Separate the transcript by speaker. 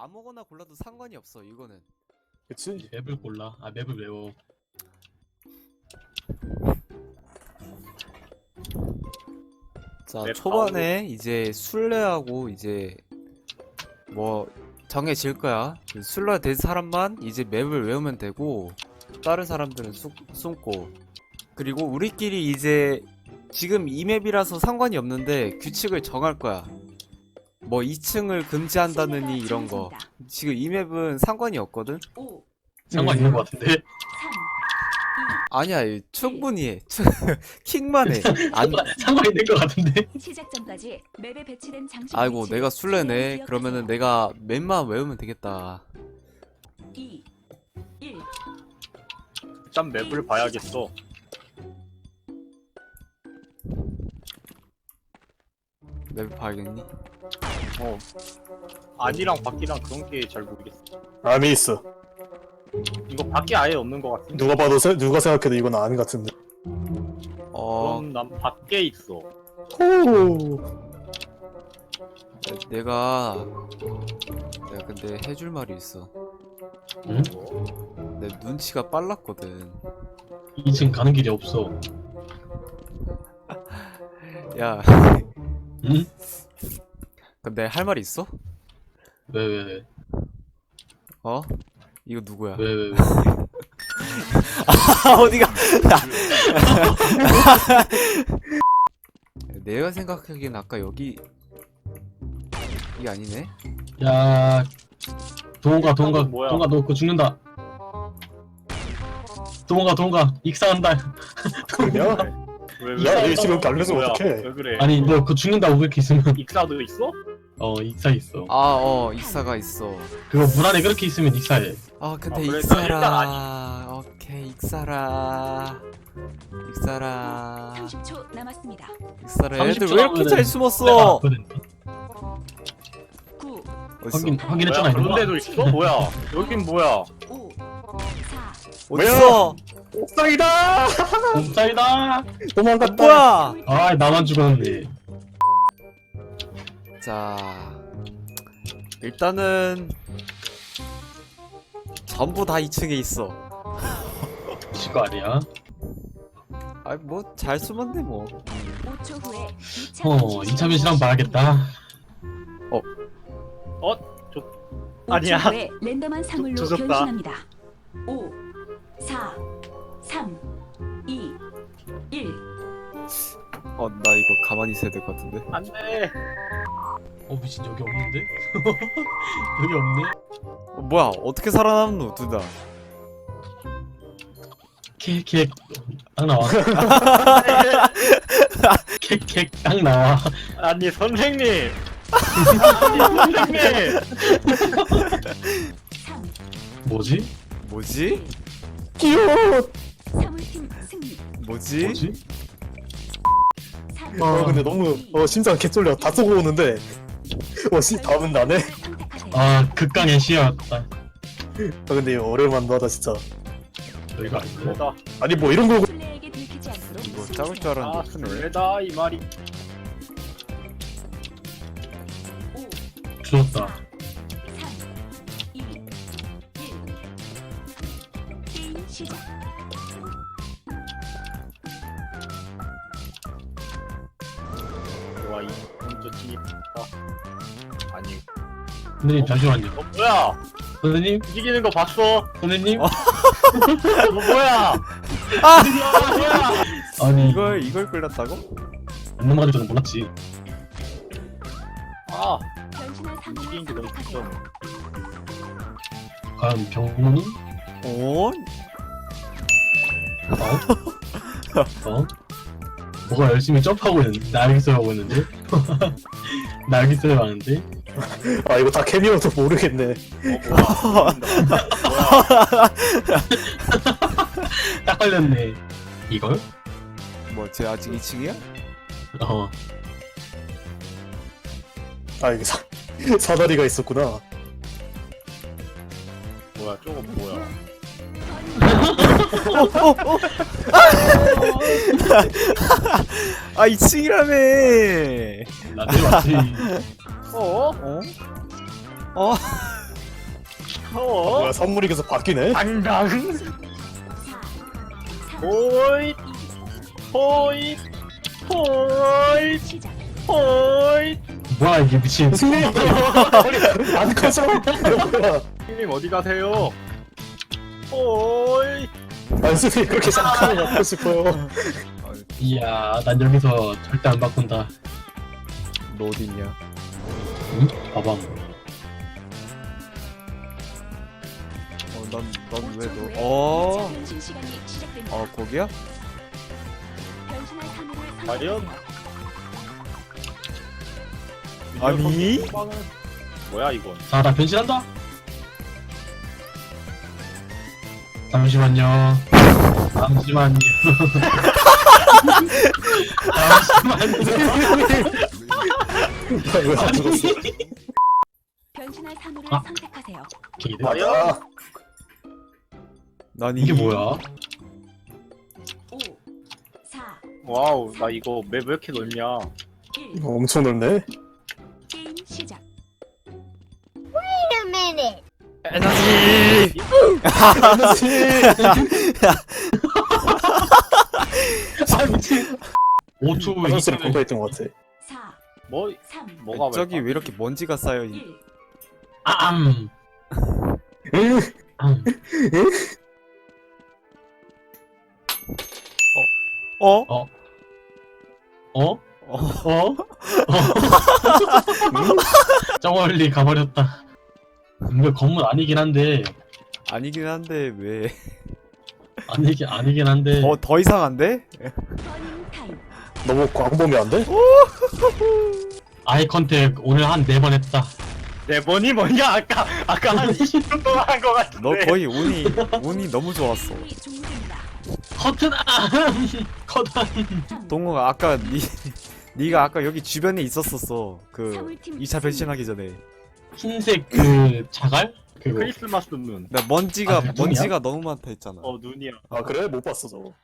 Speaker 1: 아무거나 골라도 상관이 없어 이거는.
Speaker 2: 그치?
Speaker 3: 맵을 골라. 아 맵을 외워.
Speaker 1: 자,
Speaker 4: 맵
Speaker 1: 초반에 이제 술래하고 이제 뭐 정해질 거야. 술래 된 사람만 이제 맵을 외우면 되고 다른 사람들은 숨고. 그리고 우리끼리 이제 지금 이 맵이라서 상관이 없는데 규칙을 정할 거야. 뭐 2층을 금지한다느니 이런 거. 지금 이 맵은 상관이 없거든.
Speaker 3: 상관 있는 것 같은데.
Speaker 1: 아니야, 충분히 해. 킥만 해. 안.
Speaker 3: 상관 있는 것 같은데.
Speaker 5: 시작 전까지 맵에 배치된 장식
Speaker 1: 아이고,
Speaker 5: 위치를
Speaker 1: 내가 술래네.
Speaker 5: 기억하세요.
Speaker 1: 그러면은 내가 맵만 외우면 되겠다.
Speaker 5: 2, 1.
Speaker 4: 일단 맵을 봐야겠어.
Speaker 1: 맵 봐야겠니?
Speaker 4: 아니랑 밖이랑 그런 게 잘 모르겠어.
Speaker 2: 암이 있어.
Speaker 4: 이거 밖에 아예 없는 것 같은데.
Speaker 2: 누가 봐도 누가 생각해도 이건 암 같은데.
Speaker 4: 그럼 난 밖에 있어.
Speaker 2: 호.
Speaker 1: 내가 근데 해줄 말이 있어.
Speaker 3: 응?
Speaker 1: 내 눈치가 빨랐거든.
Speaker 3: 2층 가는 길이 없어.
Speaker 1: 야,
Speaker 3: 응?
Speaker 1: 근데 할 말이 있어?
Speaker 3: 왜?
Speaker 1: 어? 이거 누구야?
Speaker 3: 왜?
Speaker 1: 아, 어디가? 내가 생각하기엔 아까 여기 이게 아니네?
Speaker 3: 야, 동호가
Speaker 4: 뭐야?
Speaker 3: 너 그거 죽는다. 동호가 익사한다.
Speaker 2: 야,
Speaker 4: 왜?
Speaker 2: 야, 너 지금 달려서
Speaker 4: 뭐야?
Speaker 2: 어떡해?
Speaker 4: 왜 그래?
Speaker 3: 아니 너 그거 죽는다고 그렇게 있으면
Speaker 4: 익사도 있어?
Speaker 3: 익사 있어.
Speaker 1: 익사가 있어.
Speaker 3: 그거 물 안에 그렇게 있으면 익사해.
Speaker 1: 아, 근데
Speaker 4: 그래,
Speaker 1: 익사라. 오케이, 익사라.
Speaker 5: 30초 남았습니다.
Speaker 1: 익사라.
Speaker 3: 30초
Speaker 1: 애들 왜 이렇게
Speaker 3: 남으면은
Speaker 1: 잘
Speaker 3: 내가
Speaker 1: 숨었어?
Speaker 3: 왔거든.
Speaker 5: 9,
Speaker 1: 어딨어?
Speaker 3: 확인했잖아
Speaker 4: 뭐야?
Speaker 3: 이거.
Speaker 4: 그런 데도 있어? 뭐야? 여긴 뭐야?
Speaker 5: 5, 4,
Speaker 1: 어딨어?
Speaker 2: 옥상이다.
Speaker 3: 옥상이다.
Speaker 2: 도망갔다.
Speaker 1: 뭐야?
Speaker 3: 아 나만 죽었네.
Speaker 1: 자, 일단은 전부 다 2층에 있어.
Speaker 3: 지거 아니야?
Speaker 1: 아이, 뭐 잘 숨었네 뭐.
Speaker 5: 5초 후에
Speaker 3: 2차 변신한 봐야겠다.
Speaker 4: 아니야.
Speaker 5: 5초 후에 랜덤한 사물로
Speaker 4: 조졌다.
Speaker 5: 변신합니다. 5, 4, 3, 2, 1.
Speaker 1: 나 이거 가만히 있어야 될 것 같은데.
Speaker 4: 안 돼.
Speaker 3: 미친 여기 없는데? 여기 없네.
Speaker 1: 뭐야? 어떻게 살아남노 둘 다?
Speaker 3: 캑 딱 나와. 캑 딱 나와.
Speaker 4: 아니 선생님. 아니 선생님.
Speaker 5: 3,
Speaker 3: 뭐지?
Speaker 1: 뭐지?
Speaker 2: 귀여워.
Speaker 5: 사물팀 승리.
Speaker 1: 뭐지?
Speaker 5: 3,
Speaker 2: 근데 너무 심장 개쫄려. 다 쏘고 오는데. 답은 나네.
Speaker 3: 극강의 시야였다.
Speaker 2: 근데 이거 오랜만도 하다 진짜.
Speaker 3: 여기가 아니고.
Speaker 4: 술래다.
Speaker 2: 아니 뭐 이런 거.
Speaker 5: 술래에게 들키지 않도록
Speaker 1: 이거 작을 줄
Speaker 4: 아
Speaker 1: 알았는데 크네.
Speaker 4: 술래다 이 말이.
Speaker 5: 5,
Speaker 3: 죽었다.
Speaker 5: 3, 2, 1. 게임 시작.
Speaker 4: 좋아 이 먼저 진입. 아니.
Speaker 3: 선생님 잠시만요.
Speaker 4: 뭐야?
Speaker 3: 선생님?
Speaker 4: 움직이는 거 봤어?
Speaker 3: 선생님?
Speaker 4: 뭐야? 뭐야?
Speaker 3: 아니
Speaker 1: 이걸 끌렸다고?
Speaker 3: 안 넘어갈 줄은 몰랐지.
Speaker 4: 아
Speaker 5: 변신할 사물을
Speaker 4: 움직이는 게 너무
Speaker 5: 선택하세요.
Speaker 4: 귀찮네.
Speaker 3: 과연 병문이?
Speaker 1: 어?
Speaker 3: 뭐가 열심히 점프하고 있는데? 날개소리 하고 있는데? 날개소리 하는데?
Speaker 2: 아 이거 다 캐미어도 모르겠네.
Speaker 4: 뭐야?
Speaker 3: 딱 걸렸네. 이걸?
Speaker 1: 뭐, 쟤 아직 2층이야?
Speaker 2: 아 이게 사다리가 있었구나.
Speaker 4: 뭐야? 저거 뭐야?
Speaker 1: 아, 2층이라며!
Speaker 3: 나 내려왔지.
Speaker 4: 어?
Speaker 1: 어?
Speaker 2: 뭐야 선물이 계속 바뀌네?
Speaker 4: 당당.
Speaker 5: 4
Speaker 4: 호잇. 호잇. 호잇.
Speaker 5: 시작.
Speaker 4: 호잇.
Speaker 3: 뭐야 이게 미친.
Speaker 2: 승리! 안 커져! 뭐야
Speaker 4: 형님 어디 가세요? 호잇.
Speaker 2: 아니 승리 그렇게 생각하면 갖고 싶어요.
Speaker 3: 이야 난 여기서 절대 안 바꾼다.
Speaker 1: 너 어딨냐?
Speaker 3: 응? 봐봐.
Speaker 1: 넌 왜
Speaker 5: 5초 후에
Speaker 1: 너? 어?
Speaker 5: 변신 시간이 시작됩니다.
Speaker 1: 거기야?
Speaker 5: 변신할 사물을
Speaker 4: 과연?
Speaker 5: 선택하세요.
Speaker 1: 아니?
Speaker 4: 뭐야 이건?
Speaker 3: 자, 나 변신한다. 잠시만요. 잠시만요. 잠시만요.
Speaker 2: 왜안 죽었어?
Speaker 5: 변신할 사물을
Speaker 3: 아.
Speaker 5: 선택하세요.
Speaker 3: 기대.
Speaker 2: 맞아.
Speaker 1: 난
Speaker 3: 이게 뭐야?
Speaker 5: 5 4
Speaker 4: 와우 나 이거 맵 왜 이렇게 넓냐?
Speaker 5: 1
Speaker 2: 엄청 넓네.
Speaker 5: 게임 시작.
Speaker 1: 에너지!
Speaker 3: 아 미친. 5초 후에
Speaker 2: 화장실에 공부했던 것 같아.
Speaker 5: 4
Speaker 4: 뭐
Speaker 5: 3
Speaker 4: 뭐가
Speaker 1: 저기 왜 이렇게 먼지가 쌓여 있...
Speaker 5: 1
Speaker 3: 응?
Speaker 1: 어?
Speaker 3: 어?
Speaker 1: 어?
Speaker 3: 어? 저 멀리 가버렸다. 이거 건물 아니긴 한데
Speaker 1: 아니긴 한데 왜?
Speaker 3: 아니긴 한데
Speaker 1: 더 이상한데?
Speaker 5: 버닝 타임.
Speaker 2: 너무 광범위 안 돼?
Speaker 3: 아이 컨택 오늘 한 4번 했다.
Speaker 4: 네 번이 뭐냐? 아까 한 20분 동안 한 거 같은데.
Speaker 1: 너 거의 운이 너무 좋았어.
Speaker 5: 게임이 종료됩니다.
Speaker 3: 커튼아 커튼.
Speaker 1: 동호가 아까 네가 아까 여기 주변에 있었었어. 그
Speaker 5: 사물팀
Speaker 1: 2차 변신하기 전에.
Speaker 3: 흰색 그 자갈? 그거
Speaker 4: 크리스마스 눈.
Speaker 1: 나
Speaker 3: 아, 그게
Speaker 1: 먼지가 너무 많다 했잖아.
Speaker 4: 눈이야.
Speaker 2: 아 그래? 못 봤어 저거.